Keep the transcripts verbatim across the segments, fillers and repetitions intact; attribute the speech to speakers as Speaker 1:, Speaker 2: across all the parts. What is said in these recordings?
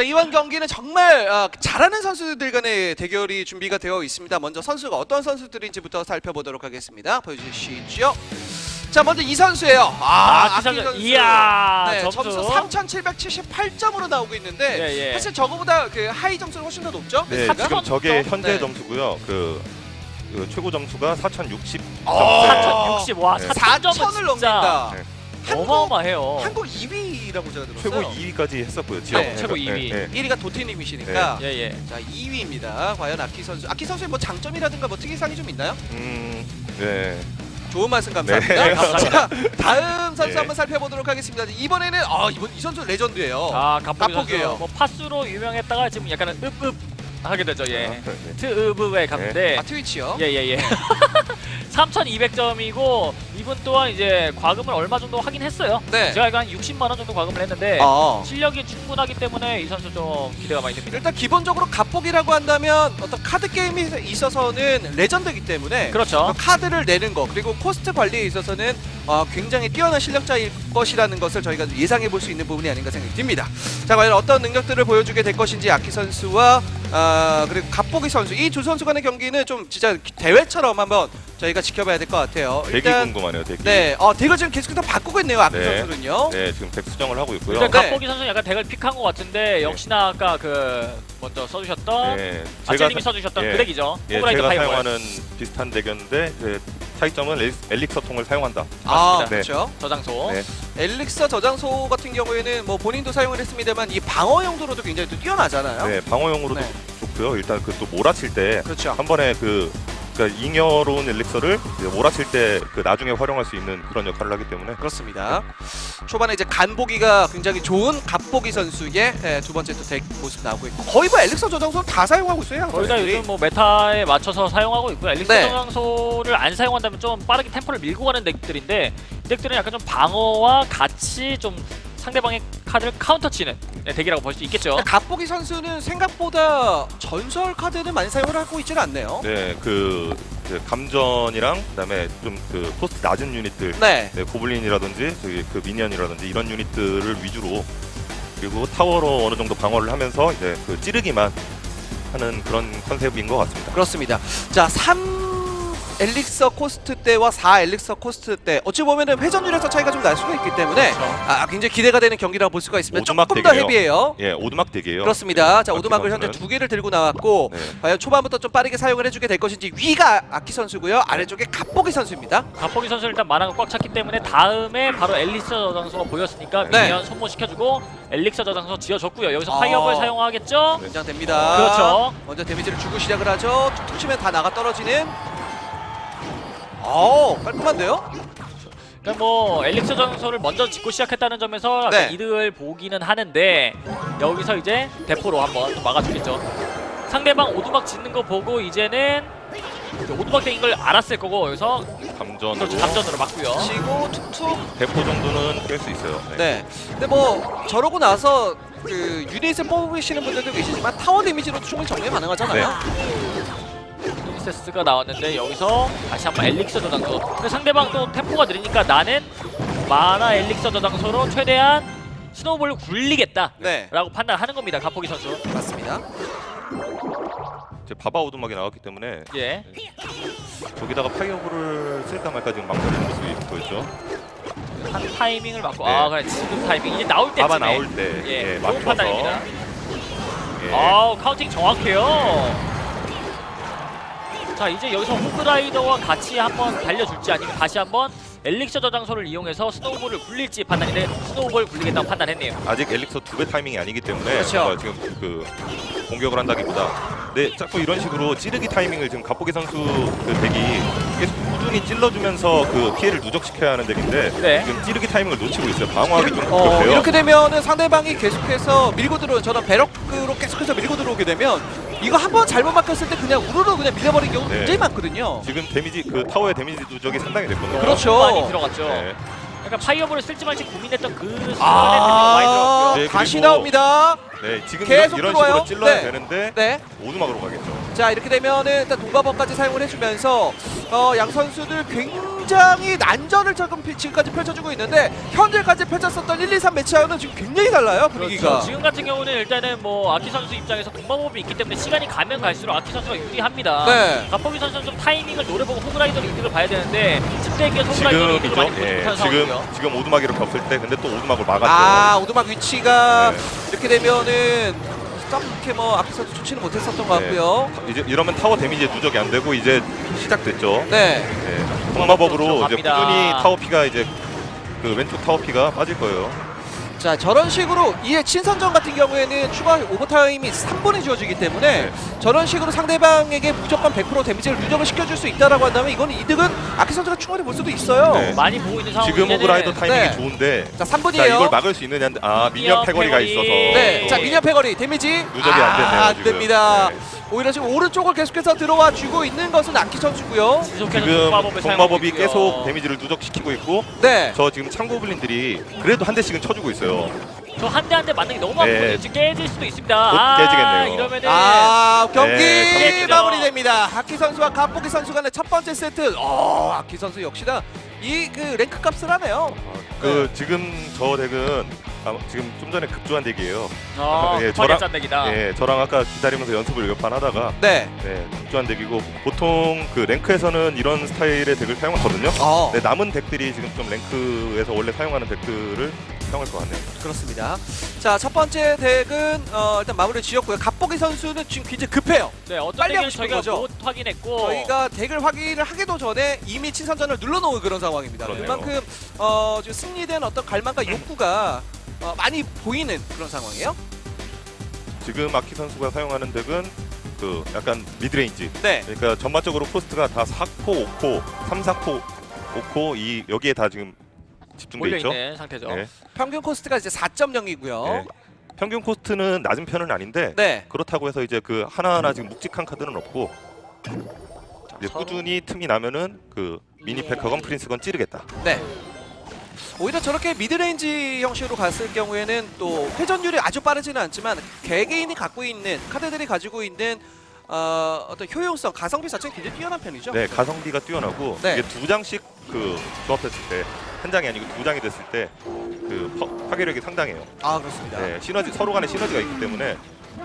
Speaker 1: 이번 경기는 정말 어, 잘하는 선수들 간의 대결이 준비가 되어 있습니다. 먼저 선수가 어떤 선수들인지부터 살펴보도록 하겠습니다. 보여주시죠. 자, 먼저 이 선수예요. 아,
Speaker 2: 아,
Speaker 1: 아키
Speaker 2: 선수.
Speaker 1: 선수.
Speaker 2: 이야,
Speaker 1: 네,
Speaker 2: 점수.
Speaker 1: 점수 삼천칠백칠십팔 점으로 나오고 있는데
Speaker 2: 예, 예.
Speaker 1: 사실 저거보다 그 하이 점수는 훨씬 더 높죠?
Speaker 3: 네,
Speaker 1: 사천
Speaker 3: 지금 저게
Speaker 1: 점?
Speaker 3: 현재
Speaker 1: 네.
Speaker 3: 점수고요. 그, 그 최고 점수가 사천육십
Speaker 1: 어,
Speaker 2: 사천육십. 와,
Speaker 3: 네.
Speaker 2: 사천 점은
Speaker 1: 사천을
Speaker 2: 진짜
Speaker 1: 넘긴다.
Speaker 3: 네.
Speaker 1: 한국,
Speaker 2: 어마어마해요.
Speaker 1: 한국 이 위라고 제가 들었어요.
Speaker 3: 최고 이 위까지 했었고요. 지역
Speaker 1: 네,
Speaker 2: 최고 이 위.
Speaker 3: 네, 네.
Speaker 1: 일 위가 도티님이시니까
Speaker 2: 예, 예.
Speaker 1: 자, 이 위입니다. 과연 아키 선수. 아키 선수의 뭐 장점이라든가 뭐 특이사항이 좀 있나요?
Speaker 3: 음, 네.
Speaker 1: 좋은 말씀 감사합니다.
Speaker 3: 네,
Speaker 1: 자, 다음 선수
Speaker 3: 네.
Speaker 1: 한번 살펴보도록 하겠습니다. 이번에는 아, 이번 이 선수 레전드예요.
Speaker 2: 아, 갑보기
Speaker 1: 갑보기예요.
Speaker 2: 선수. 뭐 파수로 유명했다가 지금 약간은 읍읍 하게 되죠. 예.
Speaker 3: 아, 네.
Speaker 2: 트읍읍에 갔는데
Speaker 1: 아, 트위치요?
Speaker 2: 예예예. 삼천이백 점이고 이분 또한 이제 과금을 얼마 정도 하긴 했어요.
Speaker 1: 네.
Speaker 2: 제가 알기로 한 육십만 원 정도 과금을 했는데
Speaker 1: 아.
Speaker 2: 실력이 충분하기 때문에 이 선수 좀 기대가 많이 됩니다.
Speaker 1: 일단 기본적으로 갑복이라고 한다면 어떤 카드 게임에 있어서는 레전드이기 때문에
Speaker 2: 그렇죠.
Speaker 1: 그 카드를 내는 거 그리고 코스트 관리에 있어서는 어, 굉장히 뛰어난 실력자일 것이라는 것을 저희가 예상해 볼 수 있는 부분이 아닌가 생각이 듭니다. 자, 과연 어떤 능력들을 보여주게 될 것인지 아키 선수와 어, 그리고 갑복이 선수 이 두 선수 간의 경기는 좀 진짜 대회처럼 한번 저희가 지켜봐야 될 것 같아요.
Speaker 3: 대기 궁금하네요. 대기.
Speaker 1: 네, 어, 덱을 지금 계속해서 바꾸고 있네요. 아키
Speaker 3: 네.
Speaker 1: 선수는요.
Speaker 3: 네, 지금 덱 수정을 하고 있고요.
Speaker 2: 일단
Speaker 1: 네.
Speaker 2: 갑보기 선수 약간 덱을 픽한 것 같은데 역시나 아까 그 먼저 써주셨던
Speaker 3: 네,
Speaker 2: 아체님이
Speaker 3: 사-
Speaker 2: 써주셨던
Speaker 3: 예,
Speaker 2: 그 덱이죠.
Speaker 3: 예,
Speaker 2: 호그라이더
Speaker 3: 제가
Speaker 2: 파이어볼.
Speaker 3: 사용하는 비슷한 덱이었는데 그 차이점은 엘릭- 엘릭서 통을 사용한다.
Speaker 1: 아,
Speaker 2: 맞습니다.
Speaker 1: 그렇죠.
Speaker 2: 저장소.
Speaker 3: 네.
Speaker 1: 엘릭서 저장소 같은 경우에는 뭐 본인도 사용을 했습니다만 이 방어 용도로도 굉장히 또 뛰어나잖아요.
Speaker 3: 네, 방어용으로도
Speaker 1: 네.
Speaker 3: 좋고요. 일단 그 또 몰아칠 때 한
Speaker 1: 그렇죠.
Speaker 3: 번에 그 그러니까 잉여로운 엘릭서를 이제 몰아칠 때 그 나중에 활용할 수 있는 그런 역할을 하기 때문에
Speaker 1: 그렇습니다. 초반에 이제 간보기가 굉장히 좋은 갑보기 선수의 예, 두 번째 또 덱 모습 나오고 있고 거의 뭐 엘릭서 저장소는 다 사용하고 있어요.
Speaker 2: 거의 다
Speaker 1: 선수들이.
Speaker 2: 요즘 뭐 메타에 맞춰서 사용하고 있고요. 엘릭서
Speaker 1: 네.
Speaker 2: 저장소를 안 사용한다면 좀 빠르게 템포를 밀고 가는 덱들인데 이 덱들은 약간 좀 방어와 같이 좀 상대방의 카드를 카운터 치는 네, 덱이라고 볼 수 있겠죠.
Speaker 1: 갑보기 선수는 생각보다 전설 카드를 많이 사용을 하고 있지는 않네요.
Speaker 3: 네, 그, 그 감전이랑 그다음에 좀 그 코스트 낮은 유닛들,
Speaker 1: 네.
Speaker 3: 네, 고블린이라든지 저기 그 미니언이라든지 이런 유닛들을 위주로 그리고 타워로 어느 정도 방어를 하면서 이제 그 찌르기만 하는 그런 컨셉인 것 같습니다.
Speaker 1: 그렇습니다. 자, 삼 엘릭서 코스트 때와 사 엘릭서 코스트 때 어찌 보면은 회전율에서 차이가 좀 날 수가 있기 때문에
Speaker 2: 그렇죠.
Speaker 1: 아, 굉장히 기대가 되는 경기라고 볼 수가 있습니다.
Speaker 3: 오두막
Speaker 1: 조금 더
Speaker 3: 덱이에요.
Speaker 1: 헤비해요.
Speaker 3: 예, 오두막 덱이에요.
Speaker 1: 그렇습니다.
Speaker 3: 네,
Speaker 1: 자,
Speaker 3: 아키
Speaker 1: 오두막을 현재
Speaker 3: 선수는.
Speaker 1: 두 개를 들고 나왔고
Speaker 3: 네.
Speaker 1: 과연 초반부터 좀 빠르게 사용을 해주게 될 것인지 위가 아키 선수고요. 아래쪽에 갑보기 선수입니다.
Speaker 2: 갑보기 선수 일단 만화가 꽉 찼기 때문에 다음에 바로 엘릭서 저장소가 보였으니까
Speaker 1: 네.
Speaker 2: 미니언 소모시켜주고 엘릭서 저장소 지어줬고요. 여기서
Speaker 1: 아.
Speaker 2: 파이어볼 사용하겠죠?
Speaker 1: 긴장됩니다.
Speaker 2: 그렇죠.
Speaker 1: 먼저 데미지를 주고 시작을 하죠. 툭툭 치면 다 나가 떨어지는. 어, 깔끔한데요?
Speaker 2: 그러니까 뭐 엘릭서 전소를 먼저 짓고 시작했다는 점에서
Speaker 1: 네.
Speaker 2: 약간 이득을 보기는 하는데 여기서 이제 대포로 한번 또 막아주겠죠. 상대방 오두막 짓는 거 보고 이제는 오두막 덱인 걸 알았을 거고 여기서
Speaker 3: 감전으로
Speaker 2: 그렇죠, 감전으로 막고요.
Speaker 1: 치고 툭툭.
Speaker 3: 대포 정도는 깰 수 있어요. 네.
Speaker 1: 네. 근데 뭐 저러고 나서 그 유닛을 뽑으시는 분들도 계시지만 타워 데미지로도 충분히 정리 가능하잖아요.
Speaker 2: 프린세스가 나왔는데 여기서 다시 한번 엘릭서 저장소. 근데 상대방 또 템포가 느리니까 나는 마나 엘릭서 저장소로 최대한 스노우볼을 굴리겠다
Speaker 1: 네.
Speaker 2: 라고 판단하는 겁니다. 갑보기 선수.
Speaker 1: 맞습니다.
Speaker 3: 이제 바바 오두막이 나왔기 때문에
Speaker 2: 예.
Speaker 3: 저기다가 파이어볼을 쓸까 말까 지금 망설이는 모습이 보였죠.
Speaker 2: 한 타이밍을 맞고
Speaker 3: 네.
Speaker 2: 아 그래 지금 타이밍 이제 나올 때쯤에
Speaker 3: 바바 나올 때
Speaker 2: 예,
Speaker 3: 예,
Speaker 2: 좋은
Speaker 3: 맞춰서
Speaker 2: 판단입니다.
Speaker 3: 예.
Speaker 2: 아우 카운팅 정확해요. 자 이제 여기서 호그라이더와 같이 한번 달려줄지 아니면 다시 한번 엘릭서 저장소를 이용해서 스노우볼을 굴릴지 판단인데 스노우볼 굴리겠다고 판단했네요.
Speaker 3: 아직 엘릭서 두 배 타이밍이 아니기 때문에
Speaker 1: 그렇죠.
Speaker 3: 뭔가 지금 그 공격을 한다기보다 네 자꾸 이런 식으로 찌르기 타이밍을 지금 갑보기 선수 그 덱이 계속 꾸준히 찔러주면서 그 피해를 누적시켜야 하는 덱인데
Speaker 2: 네.
Speaker 3: 지금 찌르기 타이밍을 놓치고 있어요. 방어하기 좀
Speaker 1: 어,
Speaker 3: 그렇대요.
Speaker 1: 이렇게 되면은 상대방이 계속해서 밀고 들어오는 저런 배럭으로 계속해서 밀고 들어오게 되면 이거 한번 잘못 막혔을 때 그냥 우르르 그냥 밀려버리는 경우
Speaker 3: 네.
Speaker 1: 굉장히 많거든요.
Speaker 3: 지금 데미지 그 타워의 데미지 누적이 상당히 됐거든요.
Speaker 1: 그렇죠.
Speaker 2: 많이 들어갔죠.
Speaker 3: 네.
Speaker 2: 약간 파이어볼을 쓸지 말지 고민했던 그 순간에
Speaker 1: 아,
Speaker 2: 많이 들어갔고요.
Speaker 3: 네,
Speaker 1: 다시
Speaker 3: 그리고-
Speaker 1: 나옵니다.
Speaker 3: 네, 지금
Speaker 1: 계속
Speaker 3: 이런
Speaker 1: 들어와요?
Speaker 3: 식으로 찔러야
Speaker 1: 네.
Speaker 3: 되는데
Speaker 1: 네.
Speaker 3: 오두막으로 가겠죠.
Speaker 1: 자 이렇게 되면은 일단 동바법까지 사용을 해주면서 어, 양 선수들 굉장히 난전을 조금 피- 지금까지 펼쳐주고 있는데 현재까지 펼쳤었던 일, 이, 삼 매치와는 지금 굉장히 달라요 분위기가.
Speaker 2: 그렇죠. 지금 같은 경우는 일단은 뭐 아키 선수 입장에서 공방법이 있기 때문에 시간이 가면 갈수록 아키 선수가 유리합니다.
Speaker 1: 네.
Speaker 2: 갑보기 선수는 좀 타이밍을 노려보고 호그라이더를 이득을 봐야 되는데 집대기에서 호그라이더를 이득을 많이
Speaker 3: 지금이죠.
Speaker 2: 보지
Speaker 3: 예,
Speaker 2: 못하는
Speaker 3: 지금
Speaker 2: 상황이고요.
Speaker 3: 지금 오두막 이렇게 없을 때 근데 또 오두막을 막았죠.
Speaker 1: 아 오두막 위치가
Speaker 3: 네.
Speaker 1: 이렇게 되면은 그렇게 뭐 아키 선수 좋지는 못했었던 것 같고요.
Speaker 3: 네. 이제 이러면 타워 데미지 누적이 안 되고 이제 시작됐죠.
Speaker 1: 네.
Speaker 3: 네. 동마법으로 이제
Speaker 2: 들어갑니다.
Speaker 3: 꾸준히 타워 피가 이제 그 왼쪽 타워 피가 빠질 거예요.
Speaker 1: 자 저런 식으로 이에 친선전 같은 경우에는 추가 오버타임이 삼 분이 주어지기 때문에
Speaker 3: 네.
Speaker 1: 저런 식으로 상대방에게 무조건 백 퍼센트 데미지를 누적을 시켜줄 수 있다라고 한다면 이건 이득은 아키 선수가 충분히 볼 수도 있어요.
Speaker 3: 네.
Speaker 2: 많이 보고 있는 상황.
Speaker 3: 지금 오브라이더 타이밍이
Speaker 1: 네.
Speaker 3: 좋은데
Speaker 1: 자 삼
Speaker 3: 자
Speaker 1: 분이에요.
Speaker 3: 이걸 막을 수 있느냐 아 미니언 패거리가
Speaker 2: 패거리.
Speaker 3: 있어서
Speaker 1: 네, 자
Speaker 2: 예.
Speaker 1: 미니언 패거리 데미지
Speaker 3: 누적이 안 됐네요,
Speaker 1: 아, 안
Speaker 3: 지금.
Speaker 1: 됩니다.
Speaker 3: 네.
Speaker 1: 오히려 지금 오른쪽을 계속해서 들어와 주고 있는 것은 아키 선수고요.
Speaker 2: 지속해서
Speaker 3: 지금
Speaker 2: 동마법을 사용하고
Speaker 3: 동마법이
Speaker 2: 있고요.
Speaker 3: 계속 데미지를 누적시키고 있고
Speaker 1: 네.
Speaker 3: 저 지금 창고블린들이 그래도 한 대씩은 쳐주고 있어요.
Speaker 2: 저 한 대 한 대 맞는 게 너무
Speaker 3: 네.
Speaker 2: 아프거든요. 지금 깨질 수도 있습니다.
Speaker 3: 곧
Speaker 2: 아,
Speaker 3: 깨지겠네요.
Speaker 2: 이러면은
Speaker 1: 아 경기
Speaker 3: 네,
Speaker 2: 경기죠.
Speaker 1: 마무리됩니다. 아키 선수와 갑보기 선수 간의 첫 번째 세트. 어 아키 선수 역시나 이 그 랭크 값을 하네요.
Speaker 3: 그 지금 저 덱은 아, 지금 좀 전에 급조한 덱이에요.
Speaker 2: 어,
Speaker 3: 예,
Speaker 2: 급하게
Speaker 3: 저랑-
Speaker 2: 짠 덱이다.
Speaker 3: 예, 저랑 아까 기다리면서 연습을 몇 판 하다가
Speaker 1: 네.
Speaker 3: 네, 급조한 덱이고 보통 그 랭크에서는 이런 스타일의 덱을 사용하거든요.
Speaker 1: 어
Speaker 3: 네, 남은 덱들이 지금 좀 랭크에서 원래 사용하는 덱들을 사용할 것 같네요.
Speaker 1: 그렇습니다. 자 첫 번째 덱은 어, 일단 마무리 지었고요. 갑보기 선수는 지금 굉장히 급해요.
Speaker 2: 네, 어떤
Speaker 1: 빨리
Speaker 2: 덱은
Speaker 1: 하고 싶은
Speaker 2: 저희가
Speaker 1: 거죠.
Speaker 2: 못 확인했고
Speaker 1: 저희가 덱을 확인을 하기도 전에 이미 친선전을 눌러놓은 그런 상황입니다.
Speaker 3: 그러네요.
Speaker 1: 그만큼 어, 지금 승리된 어떤 갈망과 욕구가 어, 많이 보이는 그런 상황이에요.
Speaker 3: 지금 아키 선수가 사용하는 덱은 그 약간 미드레인지.
Speaker 1: 네.
Speaker 3: 그러니까 전반적으로 코스트가 다 사 코, 오 코, 삼, 사 코, 오 코 이 여기에 다 지금 집중돼
Speaker 2: 몰려
Speaker 3: 있죠.
Speaker 2: 있는 상태죠.
Speaker 3: 네.
Speaker 1: 평균 코스트가 이제 사 점 영이고요.
Speaker 3: 네. 평균 코스트는 낮은 편은 아닌데
Speaker 1: 네.
Speaker 3: 그렇다고 해서 이제 그 하나하나 지금 묵직한 카드는 없고 이제
Speaker 2: 서로-
Speaker 3: 꾸준히 틈이 나면은 그 미니패커건 프린스건 찌르겠다.
Speaker 1: 네. 오히려 저렇게 미드레인지 형식으로 갔을 경우에는 또 회전율이 아주 빠르지는 않지만 개개인이 갖고 있는 카드들이 가지고 있는 어, 어떤 효용성, 가성비 자체는 굉장히 뛰어난 편이죠.
Speaker 3: 네, 가성비가 뛰어나고
Speaker 1: 네.
Speaker 3: 이게 두 장씩 그 조합했을 때 한 장이 아니고 두 장이 됐을 때 그 파괴력이 상당해요.
Speaker 1: 아 그렇습니다.
Speaker 3: 네, 시너지 서로 간에 시너지가 있기 때문에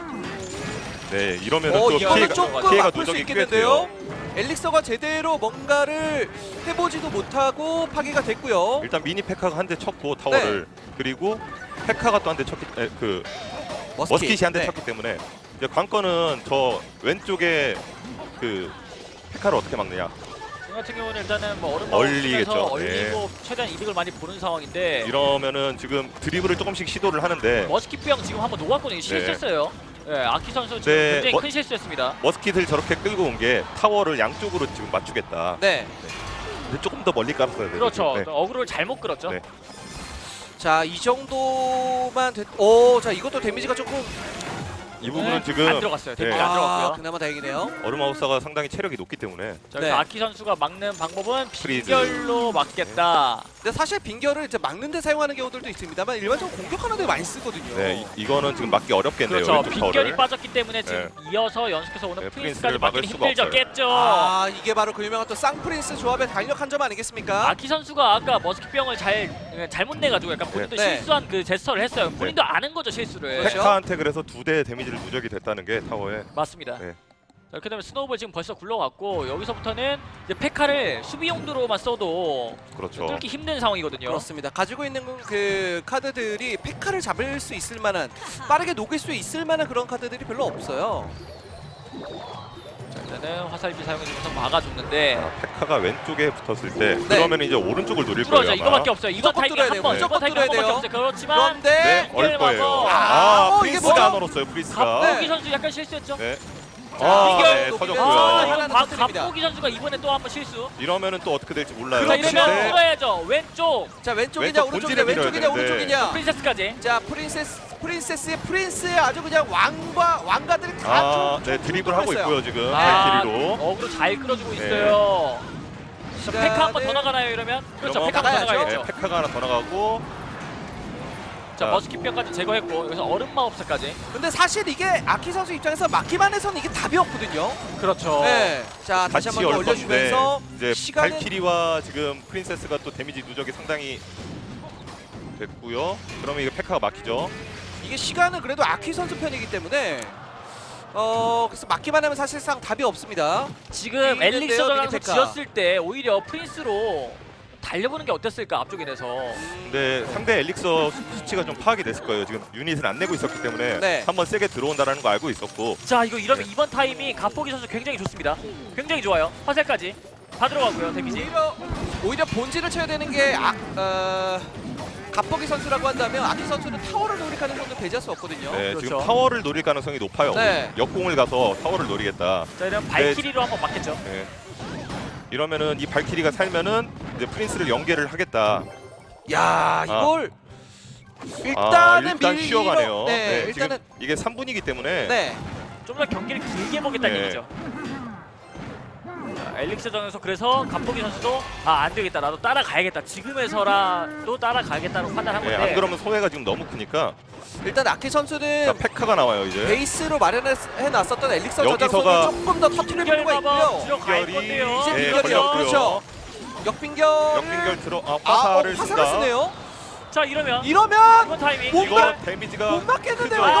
Speaker 3: 네 이러면은
Speaker 1: 어
Speaker 3: 또
Speaker 1: 이거는
Speaker 3: 피해가
Speaker 1: 조금
Speaker 3: 피해가
Speaker 1: 아플 수
Speaker 3: 누적이 꽤
Speaker 1: 있겠는데요.
Speaker 3: 돼요.
Speaker 1: 엘릭서가 제대로 뭔가를 해보지도 못하고 파괴가 됐고요.
Speaker 3: 일단 미니 페카가 한 대 쳤고 타워를
Speaker 1: 네.
Speaker 3: 그리고 페카가 또 한 대 쳤기 에, 그 머스킷이 한 대
Speaker 1: 네.
Speaker 3: 쳤기 때문에 이제 관건은 저 왼쪽에 그 페카를 어떻게 막느냐.
Speaker 2: 저 같은 경우는 일단은 뭐 얼음
Speaker 3: 얼리겠죠.
Speaker 2: 서 얼리고 최대한 이득을 많이 보는 상황인데
Speaker 3: 이러면은 지금 드리블을 조금씩 시도를 하는데
Speaker 2: 머스킷병 지금 한번 놓았거든요. 실수했어요. 네, 아키 선수 지금
Speaker 3: 네,
Speaker 2: 굉장히
Speaker 3: 뭐-
Speaker 2: 큰 실수했습니다.
Speaker 3: 머스킷을 저렇게 끌고 온 게 타워를 양쪽으로 지금 맞추겠다.
Speaker 1: 네.
Speaker 3: 근데 조금 더 멀리 깔았어야 돼요.
Speaker 2: 그렇죠.
Speaker 3: 네.
Speaker 2: 어그로를 잘못 끌었죠.
Speaker 3: 네.
Speaker 1: 자 이 정도만 됐. 오, 자 이것도 데미지가 조금
Speaker 3: 이 부분은
Speaker 2: 네,
Speaker 3: 지금
Speaker 2: 안 들어갔어요. 데미지
Speaker 3: 네.
Speaker 2: 안
Speaker 1: 아
Speaker 2: 들어갔고요.
Speaker 1: 그나마 다행이네요.
Speaker 3: 얼음하우스가 상당히 체력이 높기 때문에
Speaker 2: 자,
Speaker 1: 네.
Speaker 2: 그래서 아키 선수가 막는 방법은
Speaker 3: 프리즈.
Speaker 2: 빈결로 막겠다.
Speaker 1: 근데 사실 빙결을 이제 막는데 사용하는 경우들도 있습니다만 일반적으로 공격하는 데 많이 쓰거든요.
Speaker 3: 네, 이, 이거는 지금 막기 어렵겠네요.
Speaker 2: 그렇죠.
Speaker 3: 왼쪽
Speaker 2: 빈결이
Speaker 3: 타워를.
Speaker 2: 빠졌기 때문에 지금 이어서 연속해서 오는
Speaker 3: 네,
Speaker 2: 프린스까지
Speaker 3: 프린스를 막을
Speaker 2: 막기는
Speaker 3: 수가
Speaker 2: 힘들죠.
Speaker 3: 없어요.
Speaker 2: 깼죠.
Speaker 1: 아 이게 바로 그 유명한 또 쌍프린스 조합의 강력한 점 아니겠습니까?
Speaker 2: 아키 선수가 아까 머스킷병을 잘 잘못 내가지고 약간 본인도
Speaker 1: 네.
Speaker 2: 실수한 그 제스처를 했어요. 본인도 아는 거죠 실수를.
Speaker 1: 그렇죠.
Speaker 3: 페카한테 그래서 두 대 데미지를 누적이 됐다는 게 타워에
Speaker 2: 맞습니다.
Speaker 3: 네.
Speaker 2: 자, 이렇게 되면 스노우볼 지금 벌써 굴러갔고 여기서부터는 이제 페카를 수비 용도로만 써도
Speaker 3: 그렇죠.
Speaker 2: 뚫기 힘든 상황이거든요.
Speaker 1: 그렇습니다. 가지고 있는 그 카드들이 페카를 잡을 수 있을 만한 빠르게 녹일 수 있을 만한 그런 카드들이 별로 없어요.
Speaker 2: 자, 일단은 화살비 사용해주면서 막아줬는데
Speaker 3: 아, 페카가 왼쪽에 붙었을 때
Speaker 1: 네.
Speaker 3: 그러면 이제 오른쪽을 노릴
Speaker 2: 뚫어져
Speaker 3: 거예요.
Speaker 2: 이거밖에 없어요. 이번
Speaker 1: 무조건
Speaker 2: 타이밍
Speaker 1: 뚫어야
Speaker 2: 한
Speaker 1: 돼요.
Speaker 2: 번,
Speaker 1: 무조건
Speaker 2: 이번 타이밍 한
Speaker 1: 뚫어야
Speaker 2: 번밖에
Speaker 1: 돼요.
Speaker 2: 없어요. 그렇지만
Speaker 1: 그런데
Speaker 3: 네, 얼
Speaker 2: 빈결
Speaker 3: 거예요.
Speaker 2: 막어.
Speaker 3: 아,
Speaker 1: 어, 이게
Speaker 3: 프린스가
Speaker 1: 뭐야?
Speaker 3: 안 얼었어요. 프린스가.
Speaker 2: 갑보기
Speaker 1: 네.
Speaker 2: 선수 약간 실수했죠.
Speaker 3: 네.
Speaker 1: 자,
Speaker 3: 아,
Speaker 1: 빈결
Speaker 3: 네,
Speaker 1: 녹이면서
Speaker 3: 터졌고요.
Speaker 2: 아,
Speaker 1: 하나는
Speaker 2: 이건 가-
Speaker 1: 터뜨립니다.
Speaker 2: 갑보기 선수가 이번에 또 한 번 실수.
Speaker 3: 이러면은 또 어떻게 될지 몰라요.
Speaker 2: 자,
Speaker 1: 그렇죠.
Speaker 2: 이러면
Speaker 3: 근데
Speaker 2: 뚫어야죠. 왼쪽
Speaker 1: 자 왼쪽이냐
Speaker 3: 왼쪽
Speaker 1: 오른쪽이냐
Speaker 3: 본질에 밀어야
Speaker 1: 왼쪽이냐
Speaker 3: 되는데.
Speaker 1: 오른쪽이냐.
Speaker 2: 프린세스까지.
Speaker 1: 자 프린세스 프린세스의 프린스의 아주 그냥 왕과 왕가들이 다
Speaker 3: 아,
Speaker 1: 좀-
Speaker 3: 네
Speaker 1: 좀
Speaker 3: 드리블 하고
Speaker 1: 뚫렸어요.
Speaker 3: 있고요 지금
Speaker 2: 아,
Speaker 3: 발키리로.
Speaker 2: 어그로 잘 끌어주고
Speaker 3: 네.
Speaker 2: 있어요. 자,
Speaker 1: 시간을-
Speaker 2: 페카 한 번 더 나가나요 이러면? 그렇죠.
Speaker 3: 이러면
Speaker 2: 페카 한 번 더
Speaker 1: 나가야죠.
Speaker 2: 나가야죠.
Speaker 3: 네, 페카가 하나 더 나가고
Speaker 2: 자 머스킷병까지 제거했고 여기서 얼음 마법사까지.
Speaker 1: 근데 사실 이게 아키 선수 입장에서 막기만 해서는 이게 답이 없거든요.
Speaker 2: 그렇죠.
Speaker 1: 네. 자 다시
Speaker 3: 같이
Speaker 1: 한번 더
Speaker 3: 열 건데
Speaker 1: 올려주면서
Speaker 3: 이제
Speaker 1: 시간은
Speaker 3: 발키리와 지금 프린세스가 또 데미지 누적이 상당히 됐고요. 그러면 이거 페카가 막히죠.
Speaker 1: 이게 시간은 그래도 아키 선수 편이기 때문에 어 그래서 막기만 하면 사실상 답이 없습니다.
Speaker 2: 지금
Speaker 1: 있는데요,
Speaker 2: 엘릭서 전황에서
Speaker 1: 미니테카.
Speaker 2: 지었을 때 오히려 프린스로 달려보는 게 어땠을까 앞쪽 인에서.
Speaker 3: 근데 상대 엘릭서 수치가 좀 파악이 됐을 거예요. 지금 유닛을 안 내고 있었기 때문에
Speaker 1: 네.
Speaker 3: 한번 세게 들어온다라는 거 알고 있었고.
Speaker 2: 자 이거 이러면
Speaker 3: 네.
Speaker 2: 이번 타이밍 갑보기 선수 굉장히 좋습니다. 굉장히 좋아요. 화살까지 다 들어가고요 데미지.
Speaker 1: 오히려 오히려 본질을 쳐야 되는 게 아, 어, 갑보기 선수라고 한다면 아키 선수는 타워를 노릴 가능성도 배제할 수 없거든요.
Speaker 3: 네,
Speaker 2: 그렇죠.
Speaker 3: 지금 타워를 노릴 가능성이 높아요.
Speaker 1: 네.
Speaker 3: 역공을 가서 타워를 노리겠다.
Speaker 2: 자 이러면 발키리로 한번 막겠죠.
Speaker 3: 네. 이러면은 이 발키리가 살면은 이제 프린스를 연계를 하겠다.
Speaker 1: 야 이걸 일단은
Speaker 3: 아, 일단
Speaker 1: 밀리로-
Speaker 3: 쉬어가네요.
Speaker 1: 네,
Speaker 3: 네,
Speaker 1: 일단은
Speaker 3: 지금 이게 삼 분이기 때문에
Speaker 1: 네.
Speaker 2: 좀 더 경기를 길게 보겠다는
Speaker 3: 네.
Speaker 2: 얘기죠. 자, 엘릭스 전에서 그래서 갑보기 선수도 아 안되겠다 나도 따라가야겠다 지금에서라도 따라가야겠다고 판단한
Speaker 3: 네,
Speaker 2: 건데
Speaker 3: 안 그러면 소외가 지금 너무 크니까.
Speaker 1: 일단 아키
Speaker 3: 자,
Speaker 1: 선수는
Speaker 3: 페카가 나와요 이제.
Speaker 1: 베이스로 마련해놨었던 엘릭서
Speaker 3: 여기서가
Speaker 1: 저장소를 조금 더 터트릴 필요가
Speaker 2: 빙결마법
Speaker 1: 있고요.
Speaker 2: 들어갈
Speaker 3: 빙결이-
Speaker 2: 건데요.
Speaker 1: 이제
Speaker 3: 네,
Speaker 1: 빙결이요.
Speaker 3: 걸렸고요.
Speaker 1: 그렇죠. 역빙결.
Speaker 3: 역빙결 들어 아,
Speaker 1: 아, 어,
Speaker 3: 화살을
Speaker 1: 화살을
Speaker 3: 쓴다.
Speaker 1: 쓰네요.
Speaker 2: 자 이러면
Speaker 1: 이러면
Speaker 2: 이번 타이밍
Speaker 1: 못
Speaker 3: 이거
Speaker 1: 막-
Speaker 3: 데미지가
Speaker 1: 못 맞겠는데요.
Speaker 3: 크죠.
Speaker 1: 이거.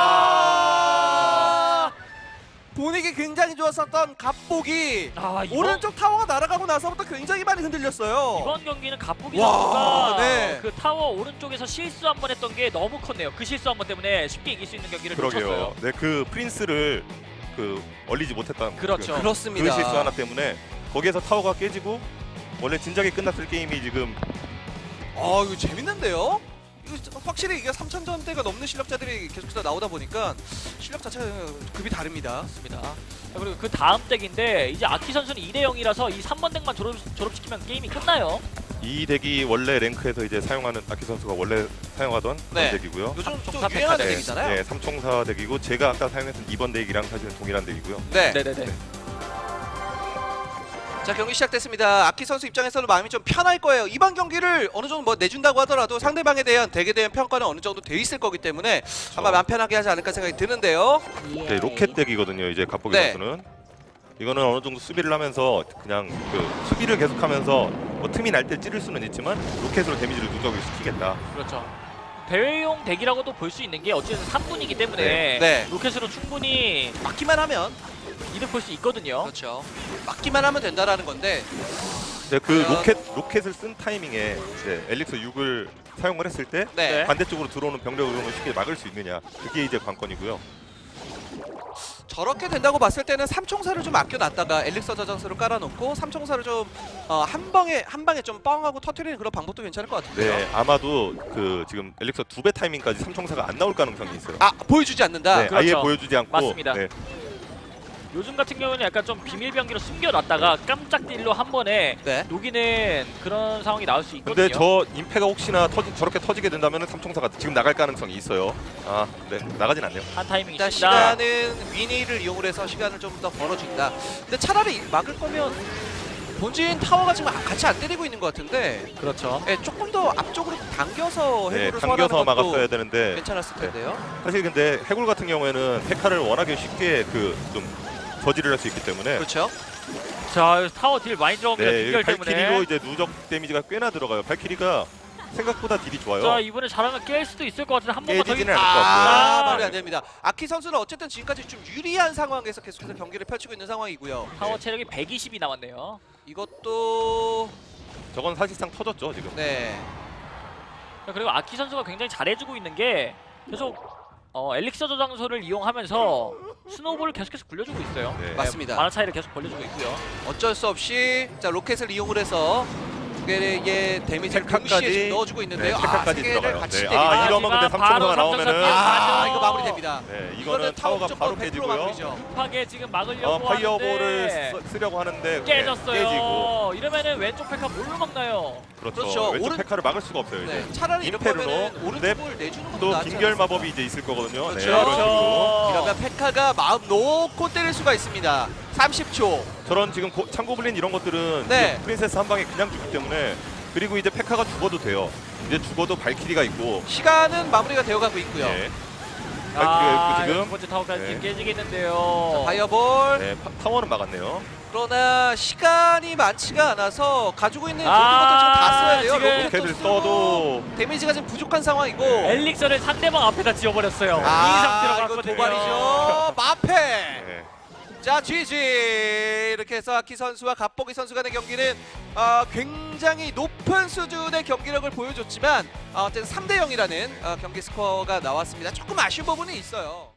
Speaker 2: 아!
Speaker 1: 아! 분위기 굉장히 좋았었던 갑복이
Speaker 2: 아, 이번,
Speaker 1: 오른쪽 타워가 날아가고 나서부터 굉장히 많이 흔들렸어요.
Speaker 2: 이번 경기는 갑보기
Speaker 1: 와,
Speaker 2: 선수가
Speaker 1: 네.
Speaker 2: 그 타워 오른쪽에서 실수 한 번 했던 게 너무 컸네요. 그 실수 한 번 때문에 쉽게 이길 수 있는 경기를
Speaker 3: 그러게요.
Speaker 2: 놓쳤어요.
Speaker 3: 네, 그 프린스를 그 얼리지 못했던
Speaker 2: 그렇죠.
Speaker 3: 그,
Speaker 1: 그렇습니다.
Speaker 3: 그 실수 하나 때문에 거기에서 타워가 깨지고 원래 진작에 끝났을 게임이 지금
Speaker 1: 아 이거 재밌는데요? 이거 확실히 이게 삼천 점대가 넘는 실력자들이 계속해서 나오다 보니까 실력 자체가 급이 다릅니다.
Speaker 2: 맞습니다. 자, 그리고 그 다음 덱인데 이제 아키 선수는 이 대 영이라서 이 삼 번 덱만 졸업, 졸업시키면 게임이 끝나요.
Speaker 3: 이 덱이 원래 랭크에서 이제 사용하는 아키 선수가 원래 사용하던
Speaker 1: 네.
Speaker 3: 그런 덱이고요.
Speaker 1: 요즘 또
Speaker 2: 삼총사
Speaker 1: 유행하는
Speaker 2: 팩
Speaker 1: 덱이잖아요.
Speaker 3: 네, 삼총사 덱이고 제가 아까 사용했던 이번 덱이랑 사실은 동일한 덱이고요.
Speaker 1: 네.
Speaker 2: 네네네.
Speaker 3: 네.
Speaker 1: 자 경기 시작됐습니다. 아키 선수 입장에서는 마음이 좀 편할 거예요. 이번 경기를 어느 정도 뭐 내준다고 하더라도 상대방에 대한 덱에 대한 평가는 어느 정도 돼 있을 거기 때문에 아마 마음 편하게 하지 않을까 생각이 드는데요.
Speaker 3: 네, 로켓 덱이거든요. 이제 갑보기
Speaker 1: 네.
Speaker 3: 선수는 이거는 어느 정도 수비를 하면서 그냥 그 수비를 계속하면서 뭐 틈이 날 때 찌를 수는 있지만 로켓으로 데미지를 누적을 시키겠다.
Speaker 2: 그렇죠. 대회용 덱이라고도 볼 수 있는 게 어쨌든 삼 분이기 때문에
Speaker 3: 네.
Speaker 1: 네.
Speaker 2: 로켓으로 충분히
Speaker 1: 막기만 하면
Speaker 2: 이득 볼 수 있거든요.
Speaker 1: 그렇죠. 막기만 하면 된다라는 건데
Speaker 3: 네, 그
Speaker 1: 과연-
Speaker 3: 로켓 로켓을 쓴 타이밍에 이제 엘릭서 육을 사용을 했을 때
Speaker 1: 네.
Speaker 2: 네.
Speaker 3: 반대쪽으로 들어오는 병력을 쉽게 막을 수 있느냐 그게 이제 관건이고요.
Speaker 1: 저렇게 된다고 봤을 때는 삼총사를 좀 아껴놨다가 엘릭서 저장소를 깔아놓고 삼총사를 좀 어, 한 방에 한 방에 좀 뻥하고 터트리는 그런 방법도 괜찮을 것 같은데요.
Speaker 3: 네, 아마도 그 지금 엘릭서 두 배 타이밍까지 삼총사가 안 나올 가능성이 있어요.
Speaker 1: 아 보여주지 않는다.
Speaker 3: 네,
Speaker 2: 그렇죠.
Speaker 3: 아예 보여주지 않고.
Speaker 2: 맞습니다.
Speaker 3: 네,
Speaker 2: 요즘 같은 경우는 약간 좀 비밀병기로 숨겨놨다가 깜짝 딜로 한 번에
Speaker 1: 네.
Speaker 2: 녹이는 그런 상황이 나올 수 있거든요.
Speaker 3: 근데 저 임페가 혹시나 터지, 저렇게 터지게 된다면 삼총사가 지금 나갈 가능성이 있어요. 아, 네, 나가진 않네요.
Speaker 2: 한 타이밍
Speaker 1: 일단
Speaker 2: 있습니다.
Speaker 1: 시간은 미니를 이용을 해서 시간을 좀 더 벌어준다. 근데 차라리 막을 거면 본진 타워가 지금 같이 안 때리고 있는 것 같은데
Speaker 2: 그렇죠.
Speaker 1: 네, 조금 더 앞쪽으로 당겨서
Speaker 3: 네,
Speaker 1: 해골을
Speaker 3: 당겨서
Speaker 1: 소환하는 것도
Speaker 3: 막았어야 되는데
Speaker 1: 괜찮았을
Speaker 3: 네.
Speaker 1: 텐데요.
Speaker 3: 사실 근데 해골 같은 경우에는 페카를 워낙에 쉽게 그 좀 저지를 할 수 있기 때문에
Speaker 1: 그렇죠.
Speaker 2: 자 타워 딜 많이 들어옵니다.
Speaker 3: 네,
Speaker 2: 빙결
Speaker 3: 발키리로
Speaker 2: 때문에.
Speaker 3: 이제 누적 데미지가 꽤나 들어가요. 발키리가 생각보다 딜이 좋아요.
Speaker 2: 자 이번에 잘하면 깰 수도 있을 것 같은데 한 번만 더
Speaker 3: 깨지지는
Speaker 2: 이-
Speaker 3: 않을 것 같고요.
Speaker 1: 아,
Speaker 2: 아,
Speaker 1: 말이 안 됩니다. 아키 선수는 어쨌든 지금까지 좀 유리한 상황에서 계속해서 경기를 펼치고 있는 상황이고요.
Speaker 2: 타워 체력이 백이십이 남았네요.
Speaker 1: 이것도
Speaker 3: 저건 사실상 터졌죠 지금.
Speaker 1: 네.
Speaker 2: 자, 그리고 아키 선수가 굉장히 잘해주고 있는 게 계속 어, 엘릭서 저장소를 이용하면서 스노우볼을 계속해서 굴려주고 있어요.
Speaker 3: 네.
Speaker 1: 맞습니다.
Speaker 2: 만화 차이를 계속 벌려주고 있고요.
Speaker 1: 어쩔 수 없이 자 로켓을 이용을 해서 두 개의 데미지를
Speaker 3: 페카까지.
Speaker 1: 동시에 지금 넣어주고 있는데요.
Speaker 3: 네, 페카까지
Speaker 1: 아, 세 개를
Speaker 3: 들어가요.
Speaker 1: 같이
Speaker 3: 네.
Speaker 1: 때리면
Speaker 3: 아, 이러면 근데
Speaker 2: 하지만 바로
Speaker 3: 삼총사가 나오면은
Speaker 2: 삼총사
Speaker 1: 아,
Speaker 2: 피해
Speaker 1: 이거 마무리됩니다.
Speaker 3: 네, 이거는 타워가
Speaker 1: 무조건
Speaker 3: 바로
Speaker 1: 백 퍼센트
Speaker 3: 깨지고요.
Speaker 1: 마무리죠.
Speaker 2: 급하게 지금 막으려고
Speaker 3: 어, 파이어볼을
Speaker 2: 하는데
Speaker 3: 쓰, 쓰려고 하는데
Speaker 2: 깨졌어요.
Speaker 3: 네, 깨지고.
Speaker 2: 이러면은 왼쪽 페카 뭘로 막나요?
Speaker 3: 그렇죠.
Speaker 1: 그렇죠.
Speaker 3: 왼쪽
Speaker 1: 오른-
Speaker 3: 페카를 막을 수가 없어요 이제.
Speaker 1: 네, 차라리 이럴
Speaker 3: 임페르노.
Speaker 1: 거면은
Speaker 3: 근데
Speaker 1: 오른쪽을 내주는 것도
Speaker 3: 또
Speaker 1: 낫지
Speaker 3: 빙결
Speaker 1: 않았을까?
Speaker 3: 마법이 이제 있을 거거든요. 네,
Speaker 1: 그렇죠.
Speaker 3: 이런 식으로.
Speaker 1: 이러면 페카가 마음 놓고 때릴 수가 있습니다. 삼십 초.
Speaker 3: 저런 지금 고, 창고블린 이런 것들은
Speaker 1: 네.
Speaker 3: 지금 프린세스 한 방에 그냥 죽기 때문에 그 그리고 이제 페카가 죽어도 돼요. 이제 죽어도 발키리가 있고.
Speaker 1: 시간은 마무리가 되어가고 있고요.
Speaker 3: 네.
Speaker 2: 아,
Speaker 3: 발키리가 있고
Speaker 2: 두
Speaker 3: 지금.
Speaker 2: 번째 타워까지
Speaker 3: 네.
Speaker 2: 깨지겠는데요.
Speaker 1: 파이어볼.
Speaker 3: 네, 파, 타워는 막았네요.
Speaker 1: 그러나 시간이 많지가 않아서 가지고 있는 모든
Speaker 2: 아,
Speaker 1: 것들 지금 다 써야 돼요.
Speaker 2: 지금
Speaker 1: 로켓도
Speaker 3: 로켓을
Speaker 1: 쓰고
Speaker 3: 써도
Speaker 1: 데미지가 지금 부족한 상황이고.
Speaker 3: 네.
Speaker 2: 엘릭서를 상대방 앞에다 지어버렸어요. 이
Speaker 1: 아,
Speaker 2: 상태로
Speaker 1: 이거
Speaker 2: 갔거든요.
Speaker 1: 도발이죠. 마페.
Speaker 3: 네.
Speaker 1: 자, 지지. 이렇게 해서 아키 선수와 갑보기 선수 간의 경기는 어, 굉장히 높은 수준의 경기력을 보여줬지만 어, 어쨌든 삼 대 영이라는 어, 경기 스코어가 나왔습니다. 조금 아쉬운 부분이 있어요.